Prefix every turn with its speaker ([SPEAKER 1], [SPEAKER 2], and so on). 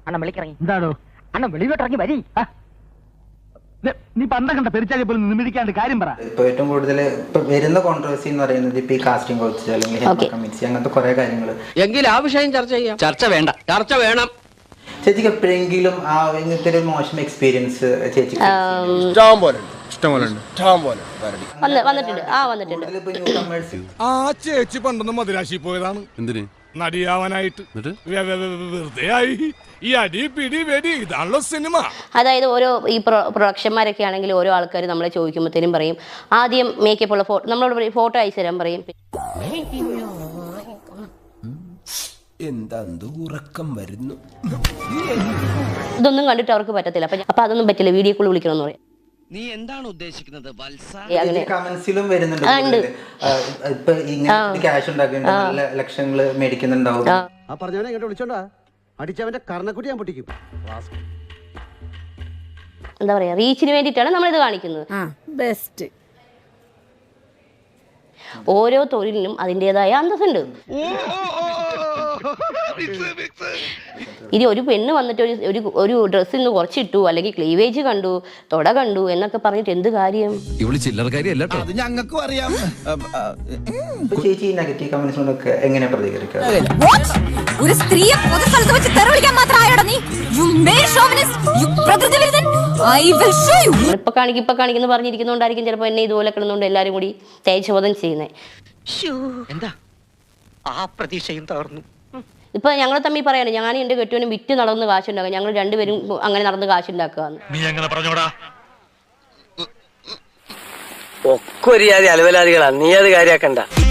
[SPEAKER 1] അണ്ണൻ വിളിക്കിറങ്ങി.
[SPEAKER 2] എന്താണോ
[SPEAKER 1] അണ്ണൻ വെളിയിലോട്ടിറങ്ങി വരി.
[SPEAKER 2] നീ പണ്ട കണ്ട പെരിച്ചാലി പോലും നിമിടിക്കാണ്ട് കാര്യം പറ.
[SPEAKER 3] ഇപ്പൊ ഏറ്റവും കൂടുതൽ ഇപ്പൊ വരുന്ന കോൺട്രവേഴ്സി എന്ന് പറയുന്നത് ഇപ്പൊ ഈ കാസ്റ്റിംഗ് കൗച്ച് അല്ലെങ്കിൽ കമ്മിറ്റി അങ്ങനത്തെ കുറെ കാര്യങ്ങൾ.
[SPEAKER 4] എങ്കിൽ ആ വിഷയം ചർച്ച ചെയ്യാം. ചർച്ച വേണ്ട, ചർച്ച വേണം.
[SPEAKER 3] ചേച്ചിക്ക് എപ്പോഴെങ്കിലും ആ ഇങ്ങനത്തെ ഒരു മോശം എക്സ്പീരിയൻസ് ചേച്ചി
[SPEAKER 5] ആ ചേച്ചി പണ്ടൊന്നും മദിരാശി പോയതാണ്. എന്തിന്? നടിയാവാനായിട്ട്. വെറുതെ ആയി ഈ അടി പിടി വെടി, ഇതാണല്ലോ സിനിമ.
[SPEAKER 6] അതായത് ഓരോ ഈ പ്രൊഡക്ഷന്മാരൊക്കെ ആണെങ്കിൽ ഓരോ ആൾക്കാർ നമ്മളെ ചോദിക്കുമ്പോഴത്തേനും പറയും ആദ്യം മേക്കപ്പ് ഉള്ള നമ്മളോട് ഫോട്ടോ അയച്ചു തരാൻ പറയും.
[SPEAKER 7] എന്താ ഉറക്കം വരുന്നു.
[SPEAKER 6] ഇതൊന്നും കണ്ടിട്ട് അവർക്ക് പറ്റത്തില്ല. അപ്പൊ അതൊന്നും പറ്റില്ല, വീഡിയോ കോൾ വിളിക്കണം എന്ന് പറയും.
[SPEAKER 4] നീ എന്താണ് ഉദ്ദേശിക്കുന്നത്?
[SPEAKER 3] കമന്റ്സിലും വരുന്നുണ്ട്. ഇപ്പൊ ഇങ്ങനെ ക്യാഷ് ഉണ്ടാക്കുന്നുണ്ട്, നല്ല ലക്ഷങ്ങൾ മേടിക്കുന്നുണ്ടാവും.
[SPEAKER 8] ആ പറഞ്ഞവനെ ഇങ്ങോട്ട് വിളിച്ചോണ്ടാ അടിച്ചവന്റെ കർണക്കുട്ടി ഞാൻ പൊട്ടിക്കും.
[SPEAKER 6] എന്താ പറയാ, റീച്ചിന് വേണ്ടിയിട്ടാണ് നമ്മളിത് കാണിക്കുന്നത്.
[SPEAKER 9] ബെസ്റ്റ്.
[SPEAKER 6] ഓരോ തൊഴിലിനും അതിൻ്റെതായ അന്തസ്സുണ്ട്. ഇനി ഒരു പെണ്ണ് വന്നിട്ട് ഒരു ഡ്രസ്സിൽ നിന്ന് കുറച്ചിട്ടു, അല്ലെങ്കിൽ ക്ലീവേജ് കണ്ടു, തൊട കണ്ടു എന്നൊക്കെ പറഞ്ഞിട്ട് എന്ത് കാര്യം?
[SPEAKER 7] ഞങ്ങൾക്കും അറിയാം.
[SPEAKER 3] ചേച്ചി നെഗറ്റീവ് കമന്റ്സിനോടൊക്കെ എങ്ങനെ പ്രതികരിക്കുക?
[SPEAKER 9] ഒരു സ്ത്രീയെ പൊതുസ്ഥലത്ത് വെച്ച് തെറിവിളിക്കാൻ മാത്രമായോടാ നീ? You male chauvinist, you പ്രകൃതി വിരുദ്ധൻ. I will show you.
[SPEAKER 6] ഇപ്പൊ കാണിക്കുന്നു പറഞ്ഞിരിക്കുന്നോണ്ടായിരിക്കും ചിലപ്പോൾ എന്നെ ഇതുപോലെ കിടന്നുകൊണ്ട് എല്ലാരും കൂടി തേജോധം ചെയ്യുന്നത്.
[SPEAKER 1] എന്താ ആ പ്രതീക്ഷയും തകർന്നു.
[SPEAKER 6] ഇപ്പൊ ഞങ്ങൾ തമ്മിൽ പറയാണ്, ഞാൻ എന്റെ കെട്ടുവിനും വിറ്റ് നടന്ന് കാശുണ്ടാക്കുക, ഞങ്ങൾ രണ്ടുപേരും അങ്ങനെ നടന്ന് കാശുണ്ടാക്കുക.
[SPEAKER 5] നീ എങ്ങനെ പറഞ്ഞോടാ?
[SPEAKER 4] ഒക്കെ ഒരു അലവലാദികളാ, നീ അത് കാര്യാക്കണ്ട.